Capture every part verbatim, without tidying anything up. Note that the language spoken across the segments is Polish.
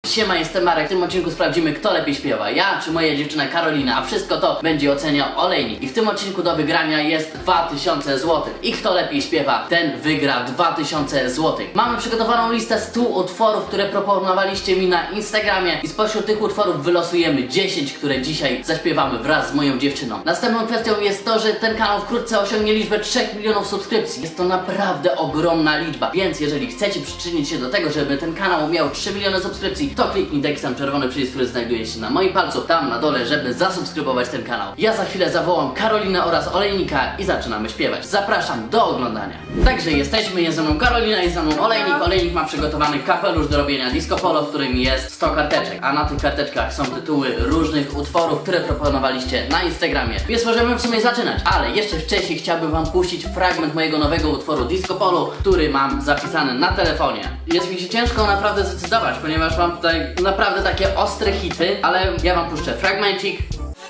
Siema, jestem Marek. W tym odcinku sprawdzimy, kto lepiej śpiewa, ja czy moja dziewczyna Karolina, a wszystko to będzie oceniał Olejnik. I w tym odcinku do wygrania jest dwa tysiące złotych. I kto lepiej śpiewa, ten wygra dwa tysiące złotych. Mamy przygotowaną listę stu utworów, które proponowaliście mi na Instagramie i spośród tych utworów wylosujemy dziesięć, które dzisiaj zaśpiewamy wraz z moją dziewczyną. Następną kwestią jest to, że ten kanał wkrótce osiągnie liczbę trzech milionów subskrypcji. Jest to naprawdę ogromna liczba, więc jeżeli chcecie przyczynić się do tego, żeby ten kanał miał trzy miliony subskrypcji, to kliknij taki sam czerwony przycisk, który znajduje się na moim palcu, tam na dole, żeby zasubskrybować ten kanał. Ja za chwilę zawołam Karolinę oraz Olejnika i zaczynamy śpiewać. Zapraszam do oglądania. Także jesteśmy, jest ze mną Karolina, jest ze mną Olejnik. Olejnik ma przygotowany kapelusz do robienia disco polo, w którym jest sto karteczek, a na tych karteczkach są tytuły różnych utworów, które proponowaliście na Instagramie. Więc możemy w sumie zaczynać, ale jeszcze wcześniej chciałbym wam puścić fragment mojego nowego utworu disco polo, który mam zapisany na telefonie. Jest mi się ciężko naprawdę zdecydować, ponieważ mam tutaj naprawdę takie ostre hity, ale ja wam puszczę fragmencik.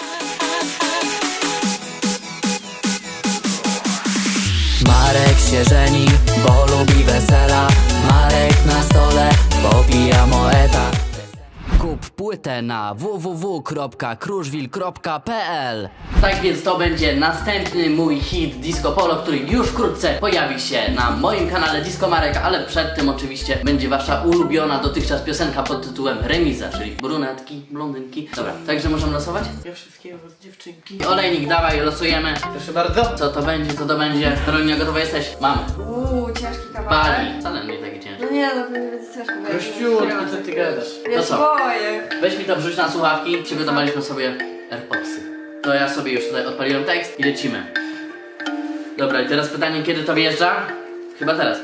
Marek się żeni, bo lubi wesela. Marek na stole, popija moeta. Kup płytę na w w w kropka kruszwil kropka p l. Tak więc to będzie następny mój hit disco polo, który już wkrótce pojawi się na moim kanale Disco Marek, ale przed tym oczywiście będzie wasza ulubiona dotychczas piosenka pod tytułem Remiza, czyli brunetki, blondynki. Dobra, także możemy losować? Ja wszystkiego z dziewczynki. Olejnik, dawaj, losujemy. Proszę bardzo. Co to będzie, co to będzie? Karolina, gotowa jesteś? Mamy. Uuu, ciężki kawałek. Bali. Wcale nie taki ciężki. No nie, no to nie będzie ciężko. bo ja się Kościół, nie co ty gadasz? Ja To się co? boję. Weź mi to wrzuć na słuchawki, przygotowaliśmy sobie AirPodsy. To ja sobie już tutaj odpaliłem tekst i lecimy. Dobra, i teraz pytanie, kiedy to wjeżdża? Chyba teraz.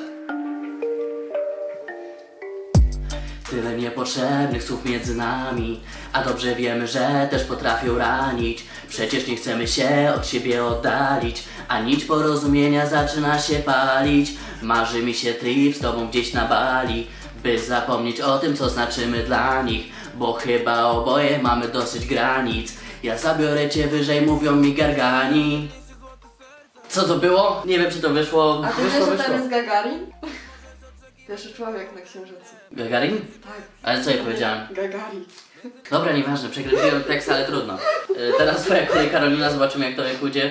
Tyle niepotrzebnych słów między nami, a dobrze wiemy, że też potrafią ranić. Przecież nie chcemy się od siebie oddalić, a nić porozumienia zaczyna się palić. Marzy mi się trip z tobą gdzieś na Bali, by zapomnieć o tym, co znaczymy dla nich, bo chyba oboje mamy dosyć granic. Ja zabiorę cię wyżej, mówią mi gargani. Co to było? Nie wiem, czy to wyszło. A ty Wyszło, wiesz, że wyszło. tam jest Gagarin? Pierwszy człowiek na Księżycu. Gagarin? Tak. Ale co ja powiedziałem? Gagarin. Dobra, nieważne, przekręciłem tekst, ale trudno. Yy, teraz twoja kolej, Karolina, zobaczymy, jak to jak pójdzie.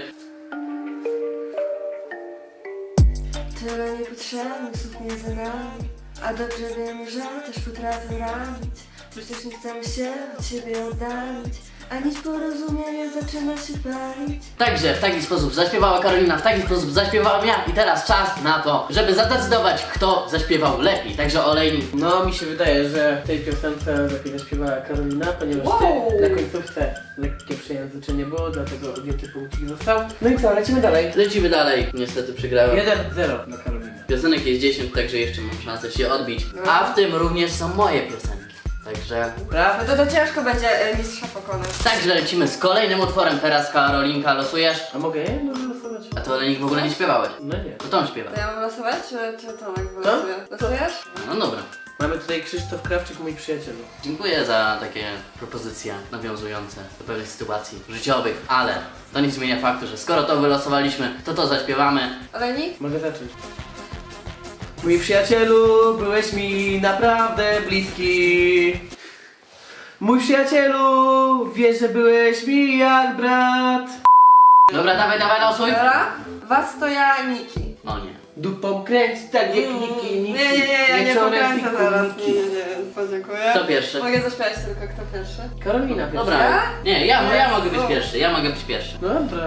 Tyle niepotrzebnych słów między nami, a dobrze wiemy, że też potrafią ranić. Przecież nie chcemy się od siebie oddalić, a nić porozumienia zaczyna się palić. Także w taki sposób zaśpiewała Karolina, w taki sposób zaśpiewałem ja i teraz czas na to, żeby zadecydować, kto zaśpiewał lepiej. Także Olejnik. No, mi się wydaje, że w tej piosence lepiej zaśpiewała Karolina, ponieważ Wow. ty na końcówce lekkie przejęzyczenie było, dlatego wielki punkcik został. No i co, lecimy dalej. Lecimy dalej. Niestety przegrałem. jeden zero dla Karoliny. Piosenek jest dziesięć, także jeszcze mam szansę się odbić. A w tym również są moje piosenki. Także... Prawda? No to to ciężko będzie e, mistrza pokonać. Także lecimy z kolejnym utworem. Teraz Karolinka losujesz. A mogę je losować? A to Olejnik w ogóle nie śpiewałeś. No nie. To on śpiewa. To ja mam losować, czy, czy Tomek wylosuje? Losujesz? No dobra. Mamy tutaj Krzysztof Krawczyk, mój przyjaciel. Dziękuję za takie propozycje nawiązujące do pewnych sytuacji życiowych, ale to nie zmienia faktu, że skoro to wylosowaliśmy, to to zaśpiewamy. Olejnik? Mogę zacząć. Mój przyjacielu, byłeś mi naprawdę bliski. Mój przyjacielu, wiesz, że byłeś mi jak brat. Dobra, dawaj, dawaj, losuj. Dobra? Was to ja, Niki. No nie. Dupą kręć, tak jak niki, niki. Nie, nie, nie, ja nie Wieczorem pokręcę fiku, teraz. niki. Nie, nie, nie, podziękuję. Kto pierwszy? Mogę zaśpiewać tylko kto pierwszy? Karolina pierwsza. Dobra. Ja? Nie, ja, ja mogę być O. pierwszy, ja mogę być pierwszy. No dobra.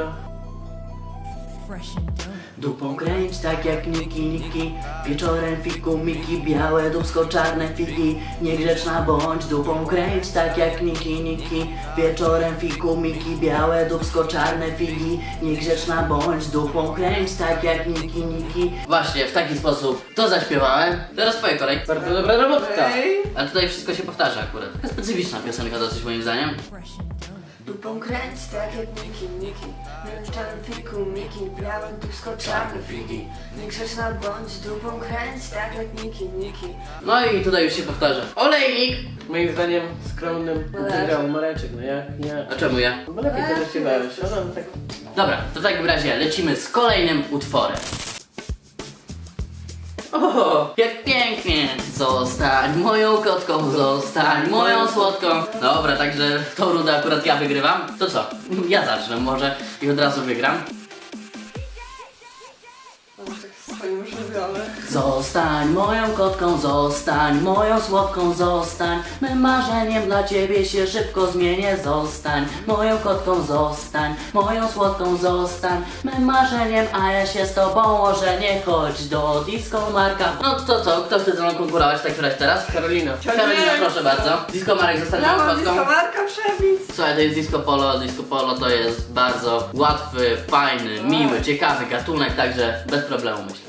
Dupą kręć tak jak Niki, Niki. Wieczorem fiku, Miki. Białe dubsko, czarne figi. Niegrzeczna bądź, dupą kręć tak jak Niki, Niki. Wieczorem fiku, Miki. Białe dubsko, czarne figi. Niegrzeczna bądź, dupą kręć tak jak Niki, Niki. Właśnie, w taki sposób to zaśpiewałem. Teraz twoja kolej. Bardzo dobra robota. Ej. Ale tutaj wszystko się powtarza akurat. Taka specyficzna piosenka dosyć moim zdaniem. Dupą kręć tak jak Niki, Niki. Na czarnym fiku, Miki. Białe dubsko, czarne figi. Niegrzeczna bądź, dupą kręć tak jak Niki, Niki. No i tutaj już się powtarza. Olejnik! Moim zdaniem skromnym Mareczek. wygrał Mareczek, no jak nie. A czemu ja? Bo lepiej to zaśpiewałeś, ale tak. Dobra, to w takim razie lecimy z kolejnym utworem. O! Jak pięknie! Zostań moją kotką, zostań moją słodką. Dobra, także w tą rundę akurat ja wygrywam. To co? Ja zacznę może i od razu wygram. On tak swoim żywiole. Zostań moją kotką, zostań moją słodką, zostań. Mym marzeniem dla ciebie się szybko zmienię. Zostań moją kotką, zostań moją słodką, zostań. Mym marzeniem, a ja się z tobą ożenię. Chodź do disco Marka. No to co? Kto chce ze mną konkurować w takim razie teraz? Karolina. Karolina, proszę bardzo. Disco Marek zostanie Ja moją mam kotką. disco Marka przebić. Słuchaj, to jest disco polo. Disco polo to jest bardzo łatwy, fajny, miły, ciekawy gatunek, także bez problemu myślę.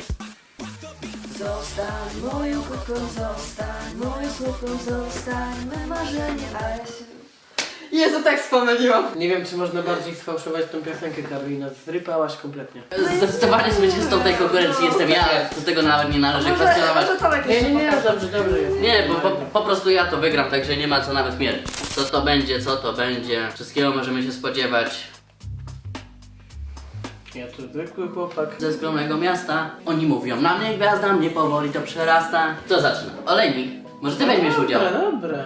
Zostań moją kotką, zostań moją słodką, zostań me marzenie, a ja się... Jezu, tak spomyliłam. Nie wiem, czy można bardziej sfałszować tą piosenkę, Karolina. Zrypałaś kompletnie. Zdecydowanie zwycięzcą tej konkurencji jestem ja, do tego nawet nie należy Może, kwestionować. może Tomek Nie, jeszcze nie, nie, pokaże. dobrze, dobrze jest. Nie, bo po, po prostu ja to wygram, także nie ma co nawet mierzyć. Co to będzie, co to będzie, wszystkiego możemy się spodziewać. Ja to zwykły chłopak. Ze skromnego miasta, oni mówią na mnie gwiazda, mnie powoli to przerasta. To zaczyna. Olejnik, może ty weźmiesz udział? Dobra, dobra.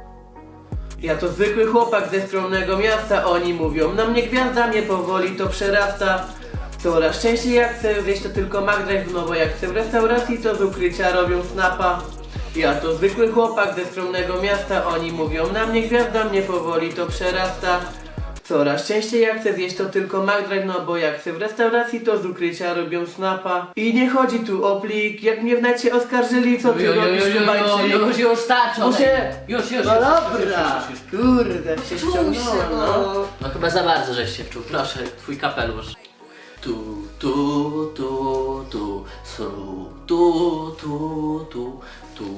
Ja to zwykły chłopak ze skromnego miasta, oni mówią na mnie gwiazda, mnie powoli to przerasta. Coraz częściej jak chcę zjeść to tylko McDrive, no bo jak chcę w restauracji to z ukrycia robią snapa. Ja to zwykły chłopak ze skromnego miasta, oni mówią na mnie gwiazda, mnie powoli to przerasta. Coraz częściej jak chcę zjeść to tylko McDrive, no bo jak chcę w restauracji to z ukrycia robią snapa. I nie chodzi tu o plik, jak mnie w necie oskarżyli, co ty robisz Kubańczyk? już, już starczy, Muszę- Olejnik. Już, już, No już, dobra, już, już, już, już. kurde, się Czuł się, ściągnąłem, no. no. No chyba za bardzo żeś się wczuł, proszę, twój kapelusz. Tu, tu, tu, tu, sru, tu, tu, tu, tu,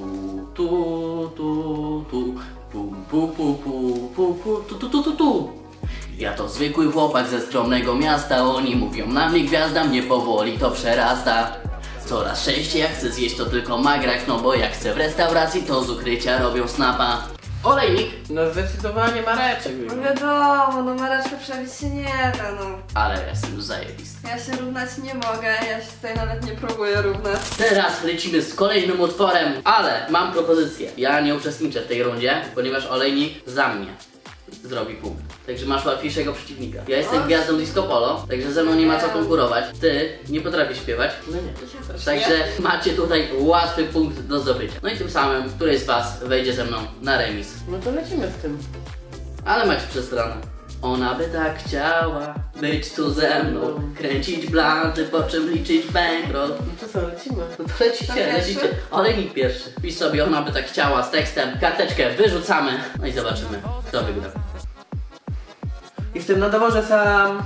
tu, tu, tu, pum, pu, pu, pu, pu, pu, tu, tu, tu, tu, tu. Ja to zwykły chłopak ze skromnego miasta, oni mówią na mnie gwiazda, mnie powoli to przerasta. Coraz częściej jak chcę zjeść to tylko magrak, no bo jak chcę w restauracji to z ukrycia robią snapa. Olejnik, No zdecydowanie Mareczek. No wiadomo, no Mareczka przebić się nie da, no. ale jestem już zajebisty. Ja się równać nie mogę, ja się tutaj nawet nie próbuję równać. Teraz lecimy z kolejnym utworem, ale mam propozycję. Ja nie uczestniczę w tej rundzie, ponieważ Olejnik za mnie zrobi punkt. Także masz łatwiejszego przeciwnika. Ja jestem O. gwiazdą disco polo, także ze mną nie ma co konkurować. Ty nie potrafisz śpiewać, No nie. także macie tutaj łatwy punkt do zdobycia. No i tym samym któryś z was wejdzie ze mną na remis. No to lecimy z tym. Ale macie przestronę. Ona by tak chciała być tu ze mną, kręcić blanty, po czym liczyć bankroll. No to co, lecimy? No to lecicie, To pierwszy? lecicie. Olejnik pierwszy. Pisz sobie, ona by tak chciała z tekstem. Karteczkę wyrzucamy. No i zobaczymy, kto wygra. Jestem na dworze sam.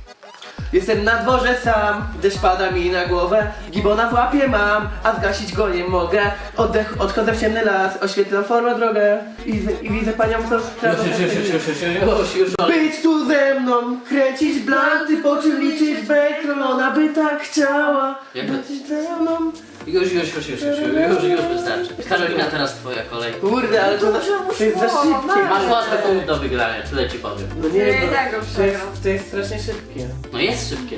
Jestem na dworze sam, deszcz pada mi na głowę. Gibona w łapie mam, a zgasić go nie mogę. Oddech, odchodzę w ciemny las, oświetlam formę drogę. I, z- i widzę panią, co sprawdza. już, już, już, już, już. Być tu ze mną, kręcić blanty, po czym liczyć bankroll. Ona by tak chciała Jak to- być ze mną. Już, już, już, już, już, już, już wystarczy. Karolina, teraz twoja kolej. Kurde, ale to, za, to jest za szybkie. Masz łatwy punkt do wygrania, tyle ci powiem. No nie, Nie, bo i tak go to jest, przegram. to jest strasznie szybkie. No jest szybkie.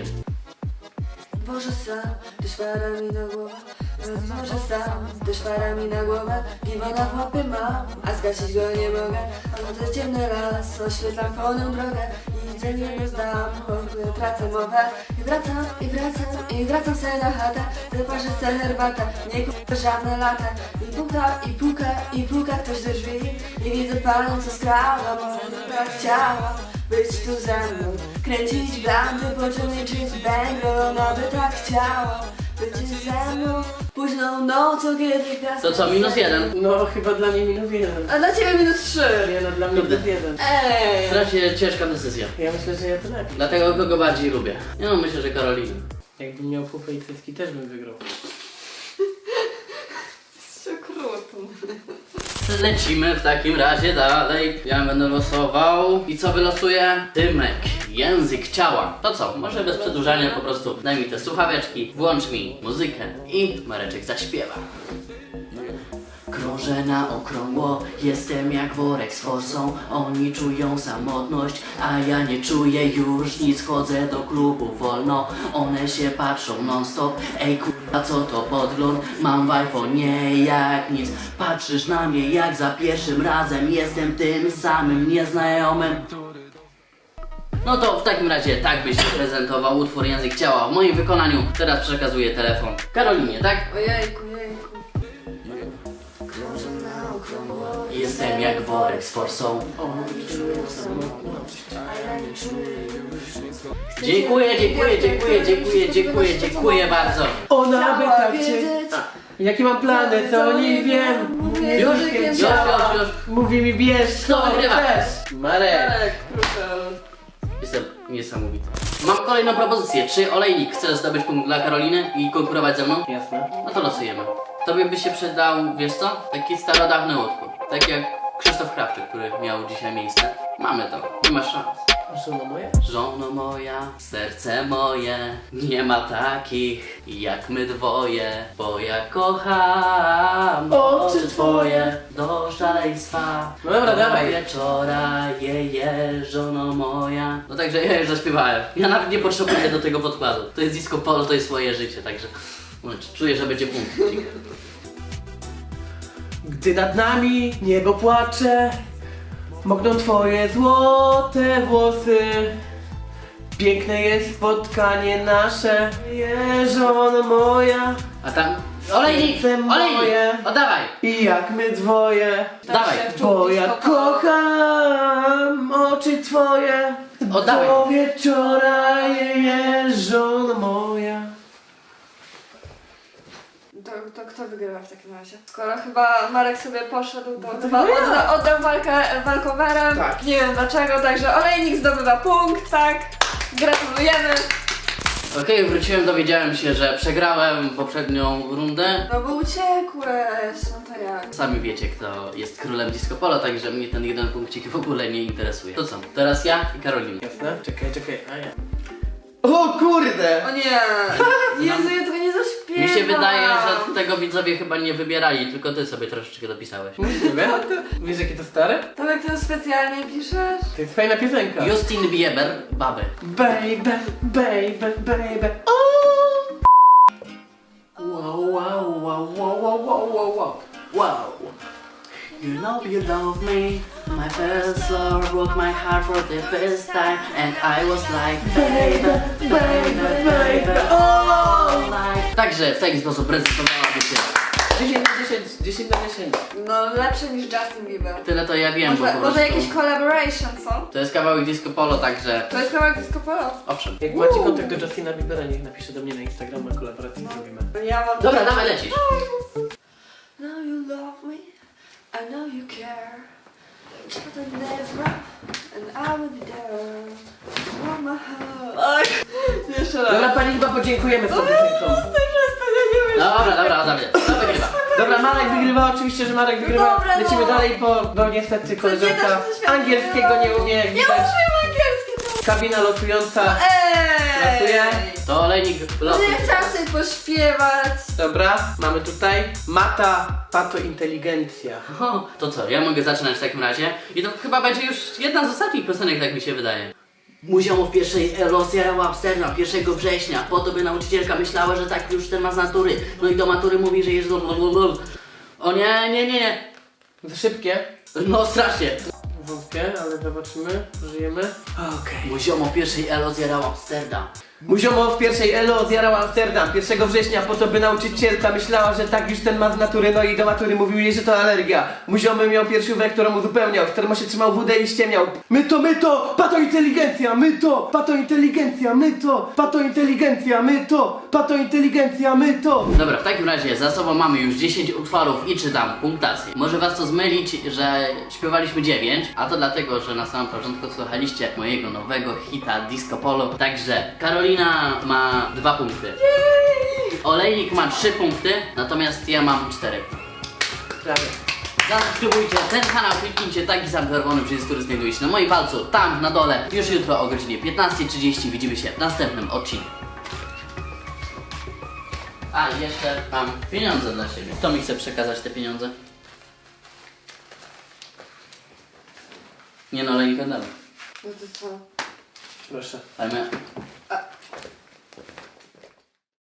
Boże sam, deszcz pada mi na głowę. Boże sam, deszcz pada mi na głowę. Gibona w łapie mam, a zgasić go nie mogę. Chodzę w ciemny las, oświetlam pełną drogę. I dzień nie zdam, choćby tracę mowę. I wracam, i wracam, i wracam se na chatę. Wyparzę se herbatę, nie kupię żadne lata. I puka, i puka, i puka ktoś do drzwi. I widzę panią, co skrała, bo tak chciała być tu ze mną. Kręcić blandy, po czym liczyć bankroll. Ona by tak chciała być ze mną. Późną nocą, kiedy gwiazdy... To co, minus jeden? No chyba dla mnie minus jeden. A dla ciebie minus trzy. Nie no, dla mnie Kurde. minus jeden. Ej! Strasznie ciężka decyzja. Ja myślę, że ja to lepiej. Dlatego kogo bardziej lubię. Nie no, myślę, że Karolina. Jakbym miał pupę i cycki, też bym wygrał. Jest okrutny. Lecimy w takim razie dalej. Ja będę losował. I co wylosuję? Dymek. Język ciała. To co? Może bez przedłużania po prostu daj mi te słuchaweczki, włącz mi muzykę i Mareczek zaśpiewa. Krążę na okrągło, jestem jak worek z fosą. Oni czują samotność, a ja nie czuję już nic. Chodzę do klubu wolno, one się patrzą non stop. Ej kurwa, A co to podgląd? Mam w iPhone'ie jak nic. Patrzysz na mnie jak za pierwszym razem. Jestem tym samym nieznajomym. No to w takim razie tak byś prezentował utwór Język Ciała w moim wykonaniu. Teraz przekazuję telefon Karolinie, tak? Ojejku, jejku. Jestem jak worek z forsą. Dziękuję, dziękuję, dziękuję, dziękuję, dziękuję, dziękuję bardzo. Ona by Chciała tak cię... wiedzieć. A, jakie mam plany, to nie wiem. Mówię Już, językiem już, ciała. już, już. Mówi mi bierz Kto co wygrywa? chcesz. Marek. Marek, kruszał. Jestem niesamowity. Mam kolejną propozycję. Czy Olejnik chce zdobyć punkt dla Karoliny i konkurować ze mną? Jasne. No to losujemy. Tobie by się przydał, wiesz co? Taki starodawny utwór. Tak jak Krzysztof Krawczyk, który miał dzisiaj miejsce. Mamy to. Nie ma szans. Żono moja? Żono moja, serce moje, nie ma takich jak my dwoje, bo ja kocham oczy twoje do szaleństwa. No dobra, do dawaj. wieczora, je, je, żono moja. No także ja już zaśpiewałem. Ja nawet nie potrzebuję do tego podkładu. To jest disco polo, to jest swoje życie, także no, czuję, że będzie punkt. Gdy nad nami niebo płacze, mokną twoje złote włosy. Piękne jest spotkanie nasze, je, żono moja. A tam... Olejnik! Serce moje. Olejnik! Oddawaj! I jak my dwoje, Dawaj! bo ja kocham oczy twoje. Oddawaj. Do wieczora, je, je, żono moja. To, to kto wygrywa w takim razie? Skoro chyba Marek sobie poszedł, to to chyba chyba ja. odda, oddam walkę walkowerem. Tak. Nie wiem dlaczego, także Olejnik zdobywa punkt, tak? Gratulujemy. Okej, wróciłem, dowiedziałem się, że przegrałem poprzednią rundę. No bo uciekłeś, no to jak? Sami wiecie, kto jest królem disco polo, także mnie ten jeden punkcik w ogóle nie interesuje. To co? Teraz ja i Karolina. Jasne? Czekaj, czekaj, a ja. O kurde! O nie! Jezu, ja tego nie zaśpiewam. Mi się wydaje, że tego widzowie chyba nie wybierali, tylko ty sobie troszeczkę dopisałeś. Możliwe? Wiesz jakie to stare? Tomek, ty to specjalnie piszesz? To jest fajna piosenka. Justin Bieber, Baby. Baby, baby, baby. O! Wow, wow, wow, wow, wow, wow, wow, wow. Wow. You know you love me. My first love broke my heart for the first time, and I was like, baby, baby, baby, oh, like. Także w taki sposób prezentowałaby się. dziesięć na dziesięć, dziesięć na dziesięć. No lepsze niż Justin Bieber. Tyle to ja wiem, bo Może, po może prostu jakiś collaboration, co? to jest kawałek disco polo, także To jest kawałek disco polo. owszem. Jak macie kontakt do Justina Biebera, niech napisze do mnie na Instagram, a kolaborację zrobimy. Ja mam... Dobra, dawaj, lecisz. Now you love me, I know you care. But I never, and I will be there. For my heart. Oj, jeszcze raz. Dobra, pani chyba podziękujemy z tą piosenką. Dobra, dobra, dobra, to wygrywa. Dobra, Marek wygrywa, oczywiście, że Marek wygrywa. dobra, no. Lecimy dalej, bo no niestety koleżanka da się coś angielskiego nie umie, jak Nie widać. umiem angielski, to... Kabina losująca. Ej! Losuje. To olejnik No losu. ja chciałam sobie pośpiewać. Dobra, mamy tutaj Mata, Pato Inteligencja. O, to co, ja mogę zaczynać w takim razie i to chyba będzie już jedna z ostatnich piosenek, tak mi się wydaje. Muzeum w pierwszej rozjarał Amsterdam pierwszego września, po to by nauczycielka myślała, że tak już ten ma z natury, no i do matury mówi, że jest... O nie, nie, nie, nie, Za szybkie. no strasznie. Wątpię, ale zobaczymy, żyjemy. Okej. Muzeum w pierwszej elo zjarał Amsterdam. Muziomo w pierwszej Elo zjarał Amsterdam pierwszego września po to, by nauczycielka myślała, że tak już ten ma z natury, no i do matury mówił jej, że to alergia. Muziomy miał piersiówek, którą uzupełniał, w termosie trzymał wódę i ściemniał. My to, my to, pato inteligencja, my to, pato inteligencja, my to, pato inteligencja, my to, pato inteligencja, my to. Dobra, w takim razie za sobą mamy już dziesięć utworów i czytam punktację. Może was to zmylić, że śpiewaliśmy dziewięć, a to dlatego, że na samym początku słuchaliście mojego nowego hita Disco Polo. Także Karolina ma dwa punkty. Olejnik ma trzy punkty, natomiast ja mam cztery. Prawie. Zasubskrybujcie ten kanał, kliknijcie taki sam czerwony przycisk, który znajduje się na moim palcu, tam na dole. Już jutro o godzinie piętnastej trzydzieści widzimy się w następnym odcinku. A i jeszcze mam pieniądze dla siebie. Kto mi chce przekazać te pieniądze? Nie no, Olejnika dalej. No to co? Proszę. Ale my...